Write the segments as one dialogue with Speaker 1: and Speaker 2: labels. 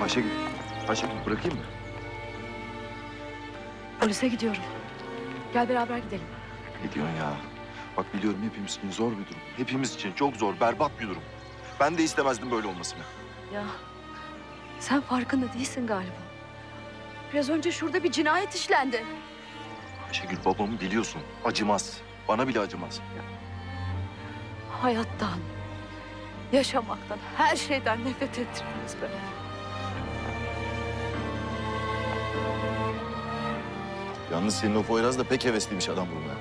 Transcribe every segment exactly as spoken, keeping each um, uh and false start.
Speaker 1: Ayşegül, Ayşegül bırakayım mı?
Speaker 2: Polise gidiyorum. Gel beraber gidelim.
Speaker 1: Ne diyorsun ya? Bak biliyorum hepimiz için zor bir durum. Hepimiz için çok zor, berbat bir durum. Ben de istemezdim böyle olmasını.
Speaker 2: Ya sen farkında değilsin galiba. Biraz önce şurada bir cinayet işlendi.
Speaker 1: Ayşegül babamı biliyorsun. Acımaz. Bana bile acımaz.
Speaker 2: Hayattan, yaşamaktan, her şeyden nefret ettirdiniz beni.
Speaker 1: Yalnız senin o Poyraz da pek hevesliymiş adam vurmaya.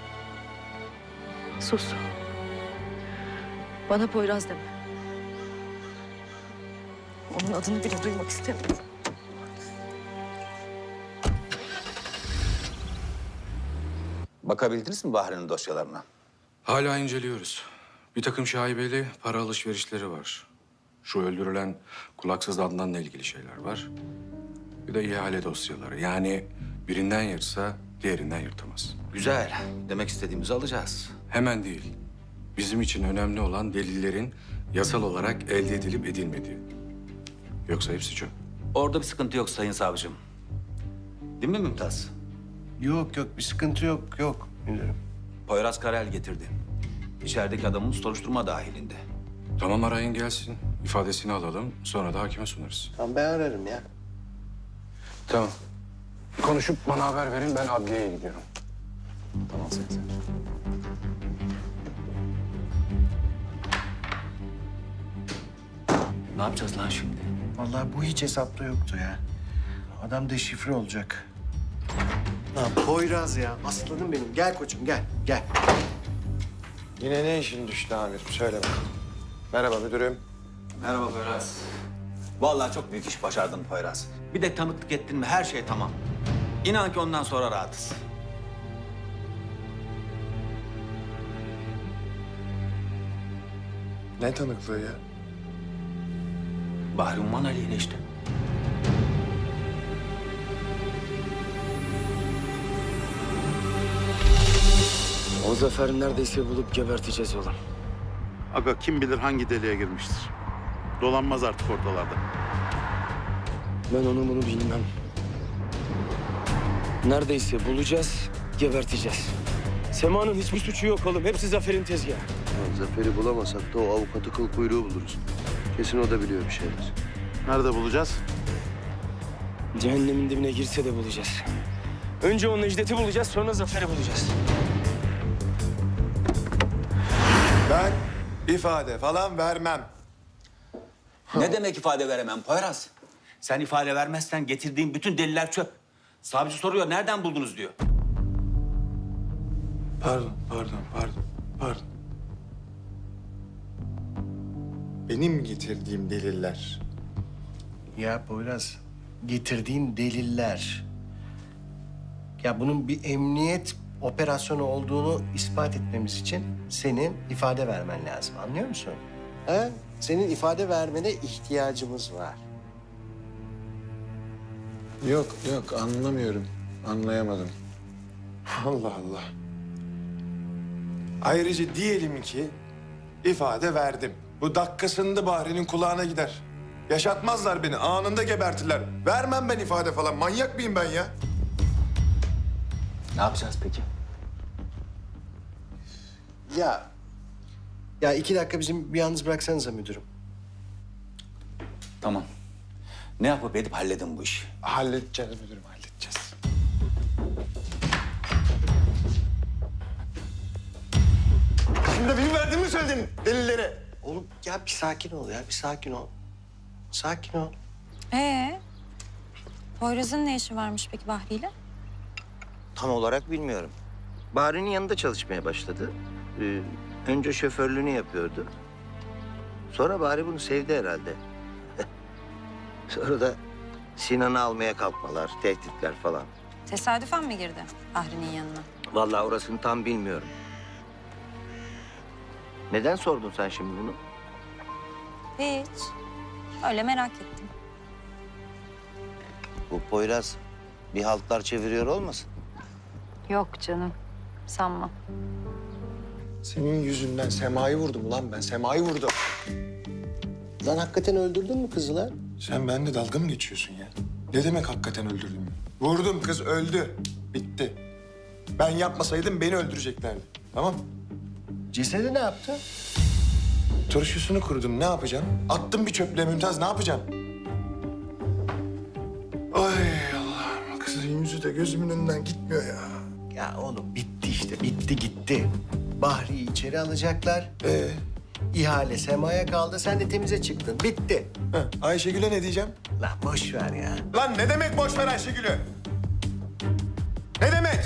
Speaker 2: Sus. Bana Poyraz deme. Onun adını bile duymak istemiyorum.
Speaker 3: Bakabildiniz mi Bahri'nin dosyalarına?
Speaker 4: Hala inceliyoruz. Bir takım şaibeli para alışverişleri var. Şu öldürülen kulaksız Adnan'la ilgili şeyler var. Bir de ihale dosyaları. Yani birinden yırtsa diğerinden yırtamaz.
Speaker 3: Güzel. Demek istediğimizi alacağız.
Speaker 4: Hemen değil. Bizim için önemli olan delillerin yasal olarak elde edilip edilmediği. Yoksa hepsi çöp.
Speaker 3: Orada bir sıkıntı yok Sayın Savcım. Değil mi Mümtaz?
Speaker 5: Yok yok bir sıkıntı yok yok müdürüm.
Speaker 3: Poyraz Karel getirdi. İçerideki adamımız soruşturma dahilinde.
Speaker 4: Tamam arayın gelsin. İfadesini alalım. Sonra da hakime sunarız.
Speaker 5: Tamam ben ararım ya.
Speaker 4: Tamam. Konuşup bana haber verin. Ben adliyeye gidiyorum. Tamam Sayın Savcı.
Speaker 3: Ne yapacağız lan şimdi?
Speaker 5: Vallahi bu hiç hesapta yoktu ya. Adam deşifre olacak. Lan Poyraz ya aslanım benim. Gel koçum gel gel.
Speaker 6: Yine ne işin düştü amirim? Söyle bakalım. Merhaba müdürüm.
Speaker 3: Merhaba Poyraz. Vallahi çok büyük iş başardın Poyraz. Bir de tanıklık ettin mi her şey tamam. İnan ki ondan sonra rahatız.
Speaker 6: Ne tanıklığı ya?
Speaker 3: Bahri Umman aleyhine işte.
Speaker 7: O Zafer'i neredeyse bulup geberteceğiz oğlum.
Speaker 8: Aga kim bilir hangi deliğe girmiştir. Dolanmaz artık ortalarda.
Speaker 7: Ben onu bunu bilmem. Neredeyse bulacağız, geberteceğiz. Sema'nın hiçbir suçu yok oğlum. Hepsi Zafer'in tezgahı.
Speaker 9: Ya Zafer'i bulamasak da o avukatı kıl kuyruğu buluruz. Kesin o da biliyor bir şeyler.
Speaker 8: Nerede bulacağız?
Speaker 7: Cehennemin dibine girse de bulacağız. Önce o Necdet'i bulacağız, sonra Zafer'i bulacağız.
Speaker 6: Ben ifade falan vermem.
Speaker 3: Ne demek ifade veremem Poyraz? Sen ifade vermezsen getirdiğin bütün deliller çöp. Savcı soruyor, nereden buldunuz diyor.
Speaker 6: Pardon, pardon, pardon, pardon. Benim getirdiğim deliller.
Speaker 5: Ya Poyraz getirdiğin deliller. Ya bunun bir emniyet operasyonu olduğunu ispat etmemiz için senin ifade vermen lazım. Anlıyor musun? Ha? Senin ifade vermene ihtiyacımız var.
Speaker 6: Yok, yok anlamıyorum. Anlayamadım. Allah Allah. Ayrıca diyelim ki ifade verdim. Bu dakikasında Bahri'nin kulağına gider. Yaşatmazlar beni, anında gebertirler. Vermem ben ifade falan. Manyak mıyım ben ya?
Speaker 3: Ne yapacağız peki?
Speaker 5: Ya, ya iki dakika bizim bir yalnız bıraksanıza müdürüm.
Speaker 3: Tamam. Ne yapıp edip halledin bu işi.
Speaker 6: Halledeceğiz müdürüm, halledeceğiz. Şimdi benim verdiğimi söyledin delilleri.
Speaker 5: Oğlum ya bir sakin ol ya, bir sakin ol. Sakin ol.
Speaker 10: Ee, Poyraz'ın ne işi varmış peki Bahri'yle?
Speaker 9: Tam olarak bilmiyorum. Bahri'nin yanında çalışmaya başladı. Ee, önce şoförlüğünü yapıyordu. Sonra Bahri bunu sevdi herhalde. Sonra da Sinan'ı almaya kalkmalar, tehditler falan.
Speaker 10: Tesadüfen mi girdi Bahri'nin yanına?
Speaker 9: Vallahi orasını tam bilmiyorum. Neden sordun sen şimdi bunu?
Speaker 10: Hiç. Öyle merak ettim.
Speaker 9: Bu Poyraz bir haltlar çeviriyor olmasın?
Speaker 10: Yok canım, sanma.
Speaker 6: Senin yüzünden Sema'yı vurdum lan ben. Sema'yı vurdum.
Speaker 5: Lan hakikaten öldürdün mü kızı lan?
Speaker 6: Sen benimle dalga mı geçiyorsun ya? Ne demek hakikaten öldürdüm? Vurdum, kız öldü. Bitti. Ben yapmasaydım beni öldüreceklerdi. Tamam mı?
Speaker 5: Cesedi ne yaptı?
Speaker 6: Turşusunu kurudum. Ne yapacağım? Attım bir çöplüğe Mümtaz. Ne yapacağım? Ay Allah'ım. Kızın yüzü de gözümün önünden gitmiyor ya.
Speaker 5: Ya oğlum bitti işte, bitti gitti. Bahri'yi içeri alacaklar.
Speaker 6: Ee,
Speaker 5: İhale Sema'ya kaldı, sen de temize çıktın. Bitti.
Speaker 6: heh, Ayşegül'e ne diyeceğim?
Speaker 5: Lan boş ver ya.
Speaker 6: Lan ne demek boş ver Ayşegül'ü? Ne demek?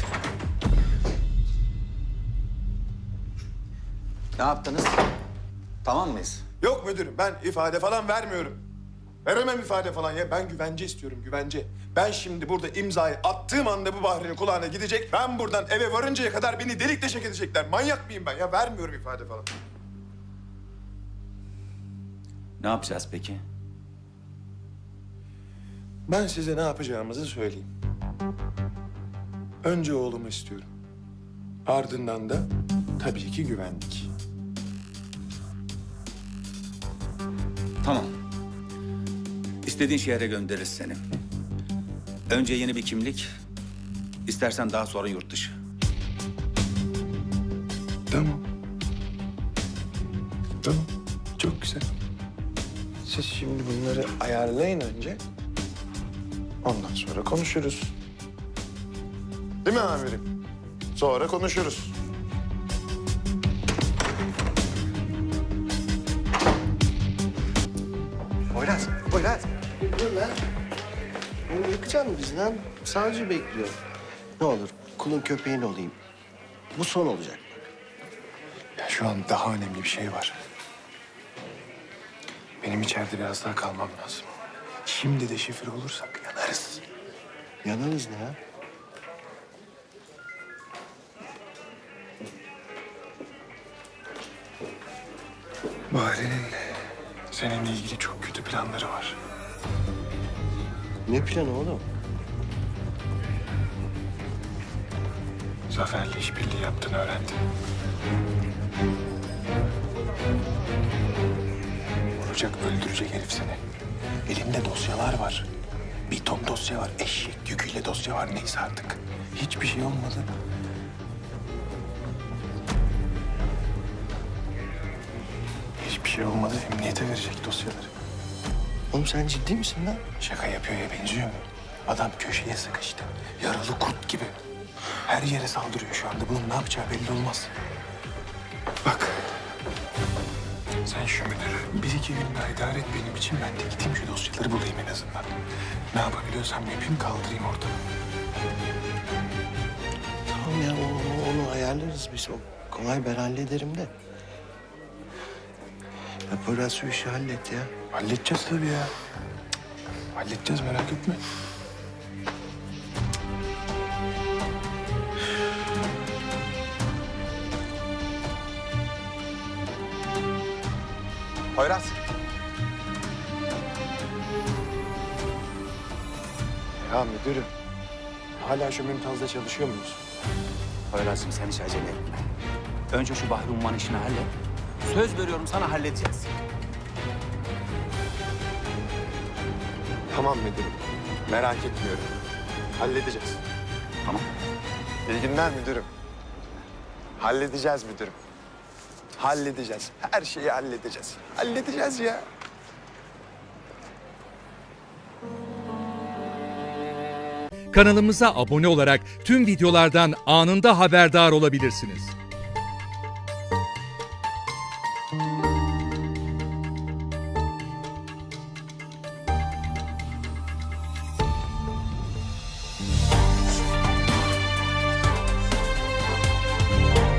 Speaker 3: Ne yaptınız? Tamam mıyız?
Speaker 6: Yok müdürüm, ben ifade falan vermiyorum. Veremem ifade falan ya. Ben güvence istiyorum, güvence. Ben şimdi burada imzayı attığım anda bu Bahri'nin kulağına gidecek. Ben buradan eve varıncaya kadar beni delik deşek edecekler. Manyak mıyım ben ya? Vermiyorum ifade falan.
Speaker 3: Ne yapacağız peki?
Speaker 6: Ben size ne yapacağımızı söyleyeyim. Önce oğlumu istiyorum. Ardından da tabii ki güvenlik.
Speaker 3: Tamam. İstediğin şehre göndeririz seni. Önce yeni bir kimlik, istersen daha sonra yurt dışı.
Speaker 6: Tamam. Tamam. Çok güzel. Siz şimdi bunları ayarlayın önce. Ondan sonra konuşuruz. Değil mi amirim? Sonra konuşuruz.
Speaker 5: Poyraz, Poyraz. Dur lan. Bunu yıkacak mı bizi lan? Savcı bekliyor. Ne olur kulun köpeğin olayım. Bu son olacak.
Speaker 6: Ya şu an daha önemli bir şey var. Benim içeride biraz daha kalmam lazım. Şimdi de şifre olursak yanarız.
Speaker 5: Yanarız ne ya?
Speaker 6: Bahri'nin seninle ilgili çok kötü planları var.
Speaker 5: Ne planı oğlum?
Speaker 6: Zafer'le işbirliği yaptığını öğrendim. Vuracak, öldürecek herif seni. Elinde dosyalar var. Bir ton dosya var. Eşek yüküyle dosya var. Neyse artık. Hiçbir şey olmadı. Hiçbir şey olmadı. Emniyete verecek dosyaları.
Speaker 5: Oğlum sen ciddi misin lan?
Speaker 6: Şaka yapıyor ya, benziyor mu? Adam köşeye sıkıştı. Yaralı kurt gibi. Her yere saldırıyor şu anda. Bunun ne yapacağı belli olmaz. Bak. Sen şu müdürü bir iki gün daha idare et benim için. Ben de gideyim şu dosyaları bulayım en azından. Ne yapabiliyorsam yapayım, kaldırayım ortadan.
Speaker 5: Tamam ya onu, onu ayarlarız biz. O kolay, ben hallederim de. Ya Poyraz şu işi hallet ya.
Speaker 6: Halledeceğiz tabii ya. Halledeceğiz, merak etme.
Speaker 1: Poyraz.
Speaker 6: Ya müdürüm, hala şu Mümtaz'da çalışıyor muyuz?
Speaker 3: Poyraz'cığım sen hiç acele etme. Önce şu Bahri Umman işini hallet. Söz veriyorum sana, halledeceğiz.
Speaker 6: Tamam müdürüm, merak etmiyorum. Halledeceğiz.
Speaker 3: Tamam.
Speaker 6: İyi günler müdürüm. Halledeceğiz müdürüm. Halledeceğiz. Her şeyi halledeceğiz. Halledeceğiz ya.
Speaker 11: Kanalımıza abone olarak tüm videolardan anında haberdar olabilirsiniz.